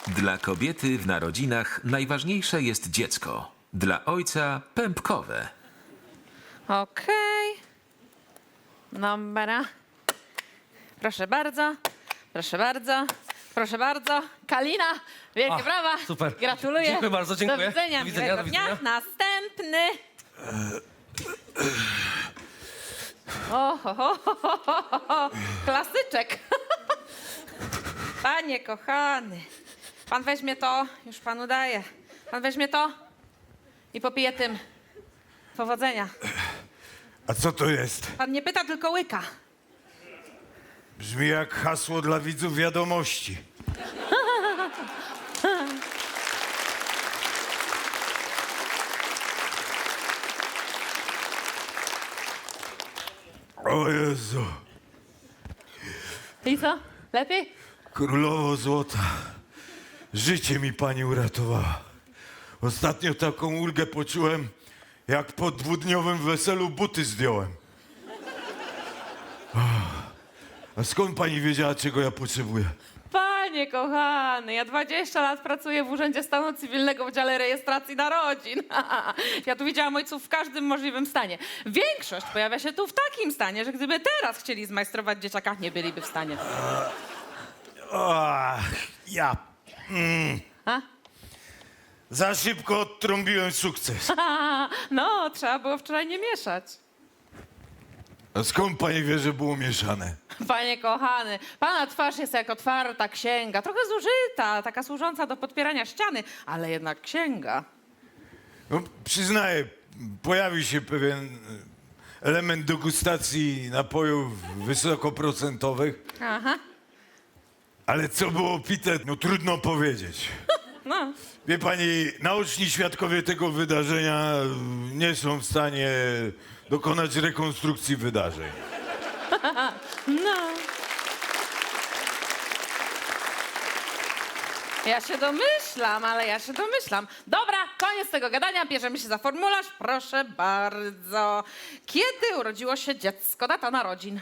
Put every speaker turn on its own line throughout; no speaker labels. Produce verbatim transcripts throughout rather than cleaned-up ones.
Dla kobiety w narodzinach najważniejsze jest dziecko. Dla ojca pępkowe.
Okej. Dobra. Proszę bardzo. Proszę bardzo. Proszę bardzo. Kalina, wielkie
A,
brawa.
super.
Gratuluję.
Dziękuję bardzo, dziękuję.
Do widzenia.
Do widzenia,
miłego
do
dnia.
widzenia.
Następny. O, ho, ho, ho, ho, ho, ho. Klasyczek. Panie kochany. Pan weźmie to, już panu daję. Pan weźmie to i popije tym. Powodzenia.
A co to jest?
Pan nie pyta, tylko łyka.
Brzmi jak hasło dla widzów wiadomości. O Jezu,
I co? Lepiej?
królowo złota, życie mi pani uratowała. Ostatnio taką ulgę poczułem, jak po dwudniowym weselu buty zdjąłem. A skąd pani wiedziała, czego ja potrzebuję?
Panie kochany, ja dwadzieścia lat pracuję w Urzędzie Stanu Cywilnego w dziale rejestracji narodzin. Ja tu widziałam ojców w każdym możliwym stanie. Większość pojawia się tu w takim stanie, że gdyby teraz chcieli zmajstrować dzieciaka, nie byliby w stanie.
Ach, ja
A?
za szybko odtrąbiłem sukces.
No, trzeba było wczoraj nie mieszać.
A skąd pani wie, że było mieszane?
Panie kochany, pana twarz jest jak otwarta księga, trochę zużyta, taka służąca do podpierania ściany, ale jednak księga.
No, przyznaję, pojawił się pewien e, element degustacji napojów wysokoprocentowych,
Aha,
ale co było pite, no trudno powiedzieć.
no.
Wie pani, naoczni świadkowie tego wydarzenia e, nie są w stanie dokonać rekonstrukcji wydarzeń.
No. Ja się domyślam, ale ja się domyślam. Dobra, koniec tego gadania, bierzemy się za formularz. Proszę bardzo. Kiedy urodziło się dziecko? Data narodzin.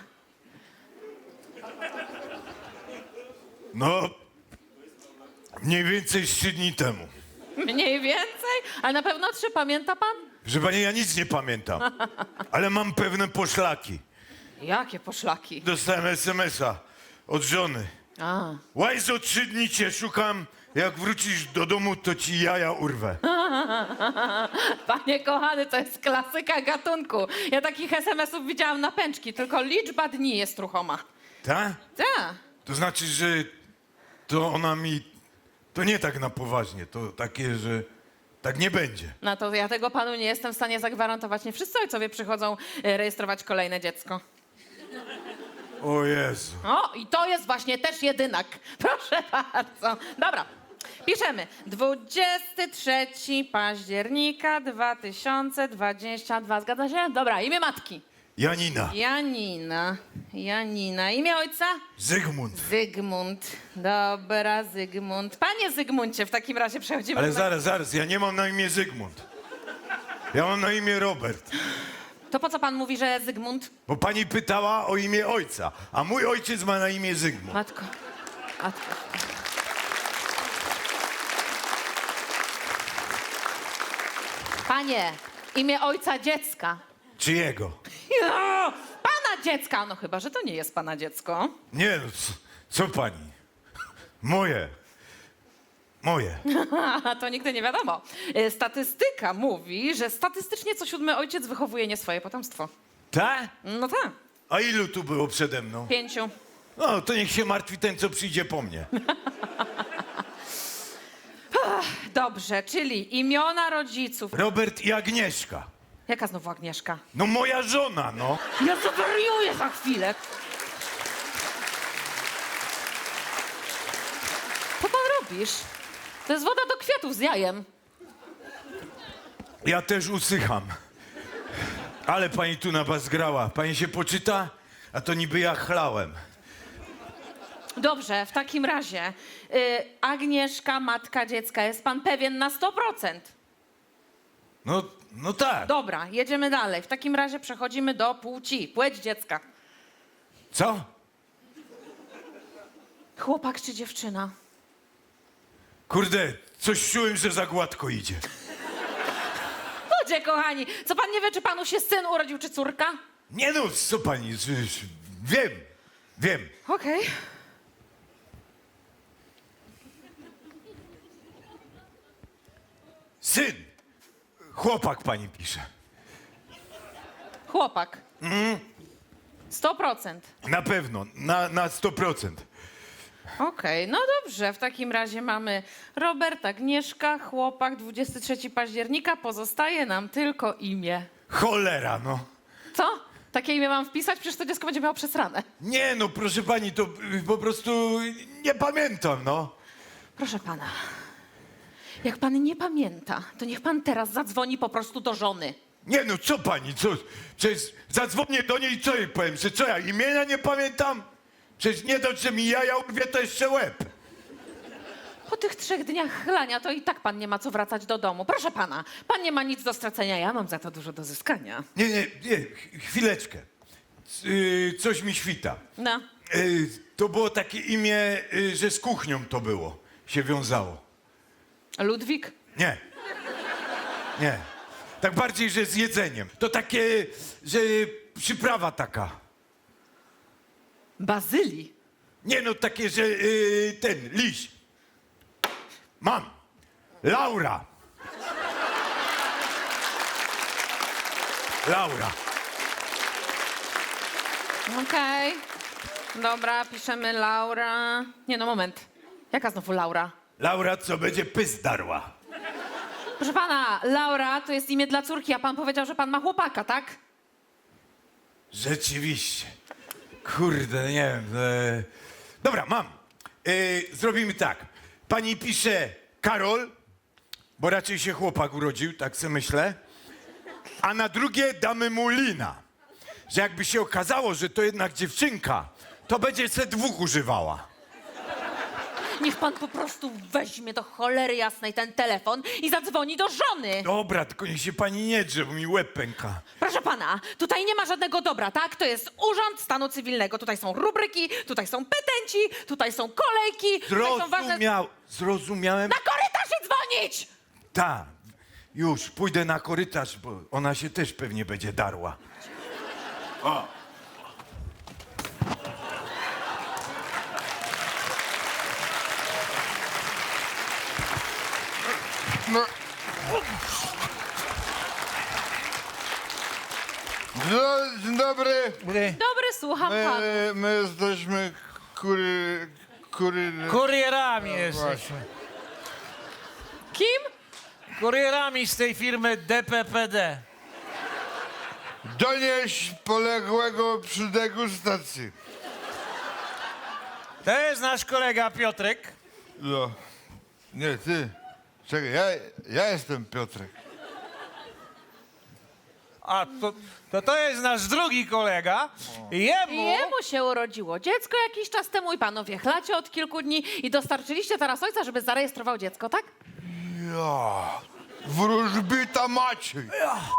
No, mniej więcej trzy dni temu.
Mniej więcej? Ale na pewno trzy, pamięta pan?
Że pani, ja nic nie pamiętam, ale mam pewne poszlaki.
Jakie poszlaki?
Dostałem es em es a od żony.
A.
Łajzo, trzy dni cię szukam. Jak wrócisz do domu, to ci jaja urwę.
Panie kochany, to jest klasyka gatunku. Ja takich es em esów widziałam na pęczki, tylko liczba dni jest ruchoma.
Tak?
Tak.
To znaczy, że to ona mi... To nie tak na poważnie, to takie, że tak nie będzie.
No to ja tego panu nie jestem w stanie zagwarantować. Nie wszyscy ojcowie przychodzą e, rejestrować kolejne dziecko.
O Jezu.
O, i to jest właśnie też jedynak. Proszę bardzo. Dobra, piszemy. dwudziestego trzeciego października dwa tysiące dwudziestego drugiego. Zgadza się? Dobra, imię matki.
Janina.
Janina. Janina. Imię ojca?
Zygmunt.
Zygmunt. Dobra, Zygmunt. Panie Zygmuncie, w takim razie przechodzimy
Ale
do...
zaraz, zaraz, ja nie mam na imię Zygmunt. Ja mam na imię Robert.
To po co pan mówi, że Zygmunt?
Bo pani pytała o imię ojca, a mój ojciec ma na imię Zygmunt.
Matko. Matko. Panie, imię ojca dziecka.
Czyjego?
Ja, pana dziecka! No chyba, że to nie jest pana dziecko.
Nie, no, co, co pani? Moje. Moje.
To nigdy nie wiadomo. E, Statystyka mówi, że statystycznie co siódmy ojciec wychowuje nie swoje potomstwo.
Tak?
No tak,
A ilu tu było przede mną?
pięciu.
No, to niech się martwi ten, co przyjdzie po mnie.
Dobrze, czyli imiona rodziców.
Robert i Agnieszka.
Jaka znowu Agnieszka?
No moja żona, no.
Ja zawariuję za chwilę. Co pan robisz? To jest woda do kwiatów z jajem.
Ja też usycham. Ale pani tu na was grała. Pani się poczyta? A to niby ja chlałem.
Dobrze, w takim razie y, Agnieszka, matka dziecka, jest pan pewien na sto procent?
No, no tak.
Dobra, jedziemy dalej. W takim razie przechodzimy do płci, płeć dziecka.
Co?
Chłopak czy dziewczyna?
Kurde, coś czułem, że za gładko idzie.
Ludzie kochani, co pan nie wie, czy panu się syn urodził, czy córka?
Nie no, co pani, z- z- wiem, wiem.
Okej.
Syn, chłopak pani pisze.
Chłopak. Sto procent.
Na pewno, na, na sto procent.
Okej, no dobrze. W takim razie mamy Robert, Agnieszka, chłopak, dwudziestego trzeciego października. Pozostaje nam tylko imię.
Cholera, no.
Co? Takie imię mam wpisać? Przecież to dziecko będzie miało przesrane.
Nie no, proszę pani, to y, po prostu nie pamiętam, no.
Proszę pana, jak pan nie pamięta, to niech pan teraz zadzwoni po prostu do żony.
Nie no, co pani, co? Przecież zadzwonię do niej i co jej powiem, że co ja imienia nie pamiętam? Przecież nie dość, że mi jaja urwie, to jeszcze łeb.
Po tych trzech dniach chlania to i tak pan nie ma co wracać do domu. Proszę pana, pan nie ma nic do stracenia, ja mam za to dużo do zyskania.
Nie, nie, nie, ch- chwileczkę. C- y, coś mi świta.
No,
Y, to było takie imię, y, że z kuchnią to było, się wiązało.
Ludwik?
Nie. Nie. Tak bardziej, że z jedzeniem. To takie, że przyprawa taka.
Bazyli?
Nie no, takie, że y, ten, liść. Mam. Laura. Laura.
Okej. Dobra, piszemy Laura. Nie no, moment. Jaka znowu Laura?
Laura, co będzie pys darła.
Proszę pana, Laura to jest imię dla córki, a pan powiedział, że pan ma chłopaka, tak?
Rzeczywiście. Kurde, nie wiem. E... Dobra, mam. E, zrobimy tak. Pani pisze Karol, bo raczej się chłopak urodził, tak sobie myślę. A na drugie damy mu Lina. Że jakby się okazało, że to jednak dziewczynka, to będzie se dwóch używała.
Niech pan po prostu weźmie do cholery jasnej ten telefon i zadzwoni do żony.
Dobra, tylko niech się pani nie drze, bo mi łeb pęka.
Proszę pana, tutaj nie ma żadnego dobra, tak? To jest Urząd Stanu Cywilnego. Tutaj są rubryki, tutaj są petenci, tutaj są kolejki, tutaj są ważne...
Zrozumiał, zrozumiałem.
Na korytarz i dzwonić!
Tak, już, pójdę na korytarz, bo ona się też pewnie będzie darła. O.
No. Dzo- Dzień dobry.
Dobry, słucham pana.
My, my jesteśmy kury... kury...
Kurierami jesteśmy.
Kim?
Kurierami z tej firmy D P P D.
Donieść poległego przy degustacji.
To jest nasz kolega Piotrek.
No. Nie, ty. Czekaj, ja, ja jestem Piotrek.
A to, to to jest nasz drugi kolega. I jemu...
Jemu się urodziło dziecko jakiś czas temu i panowie chlacie od kilku dni i dostarczyliście teraz ojca, żeby zarejestrował dziecko, tak?
Ja. Wróżbita Maciej.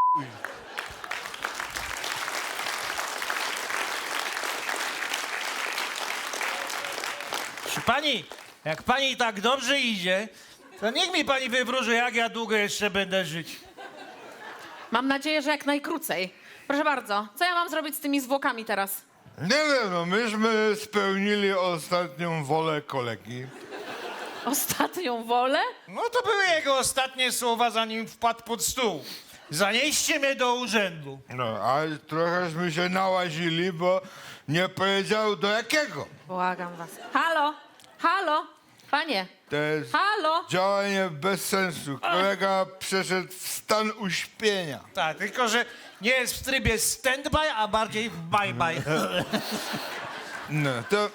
Proszę pani, jak pani tak dobrze idzie, to niech mi pani wywróży, jak ja długo jeszcze będę żyć.
Mam nadzieję, że jak najkrócej. Proszę bardzo, co ja mam zrobić z tymi zwłokami teraz?
Nie wiem, no myśmy spełnili ostatnią wolę kolegi.
Ostatnią wolę?
No to były jego ostatnie słowa, zanim wpadł pod stół. Zanieście mnie do urzędu.
No, a trochęśmy się nałazili, bo nie powiedział do jakiego.
Błagam was. Halo? Halo? Panie?
To jest
Halo?
działanie bez sensu. Kolega przeszedł w stan uśpienia.
Tak, tylko że nie jest w trybie stand-by, a bardziej w bye-bye.
No, to...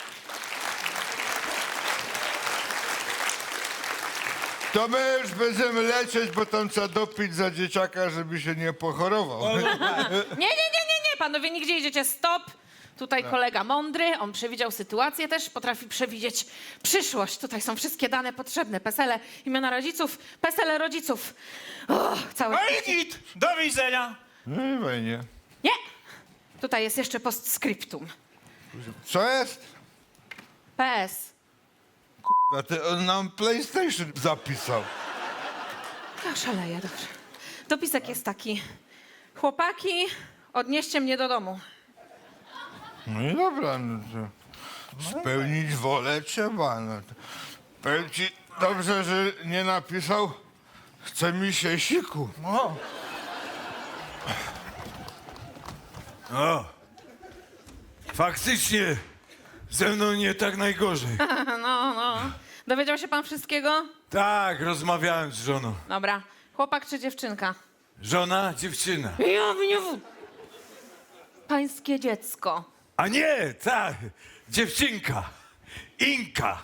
To my już będziemy lecieć, bo tam trzeba dopić za dzieciaka, żeby się nie pochorował.
Nie, nie, nie, nie, nie, panowie, nigdzie idziecie, stop. Tutaj kolega mądry, on przewidział sytuację też, potrafi przewidzieć przyszłość. Tutaj są wszystkie dane potrzebne, pesele, imiona rodziców, pesele rodziców. O, całe...
No i git, do widzenia.
No i fajnie.
Nie! Tutaj jest jeszcze postscriptum.
Co jest?
P S.
A ty, on nam PlayStation zapisał.
Ja szaleję, dobrze. Dopisek jest taki. Chłopaki, odnieście mnie do domu.
No i dobra, no to spełnić wolę trzeba. No to. Powiem ci, dobrze, że nie napisał, chce mi się siku.
O,
O, faktycznie ze mną nie tak najgorzej.
No, no. Dowiedział się pan wszystkiego?
Tak, rozmawiałem z żoną.
Dobra. Chłopak czy dziewczynka?
Żona, dziewczyna.
Ja nie... Pańskie dziecko.
A nie, tak, dziewczynka. Inka.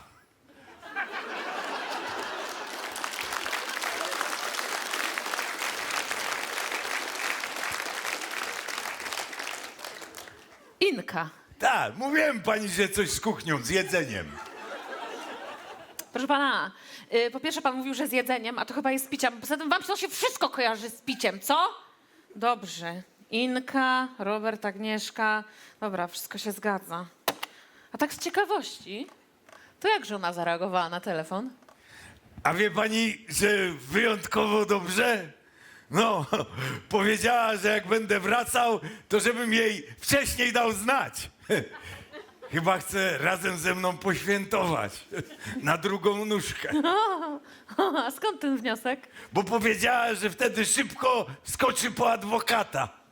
Inka.
Tak, mówiłem pani, że coś z kuchnią, z jedzeniem.
Proszę pana, y, po pierwsze pan mówił, że z jedzeniem, a to chyba jest z piciem. Poza tym wam to się wszystko kojarzy z piciem, co? Dobrze. Inka, Robert, Agnieszka. Dobra, wszystko się zgadza. A tak z ciekawości, to jak żona zareagowała na telefon?
A wie pani, że wyjątkowo dobrze? No, powiedziała, że jak będę wracał, to żebym jej wcześniej dał znać. Chyba chce razem ze mną poświętować na drugą nóżkę.
A skąd ten wniosek?
Bo powiedziała, że wtedy szybko skoczy po adwokata.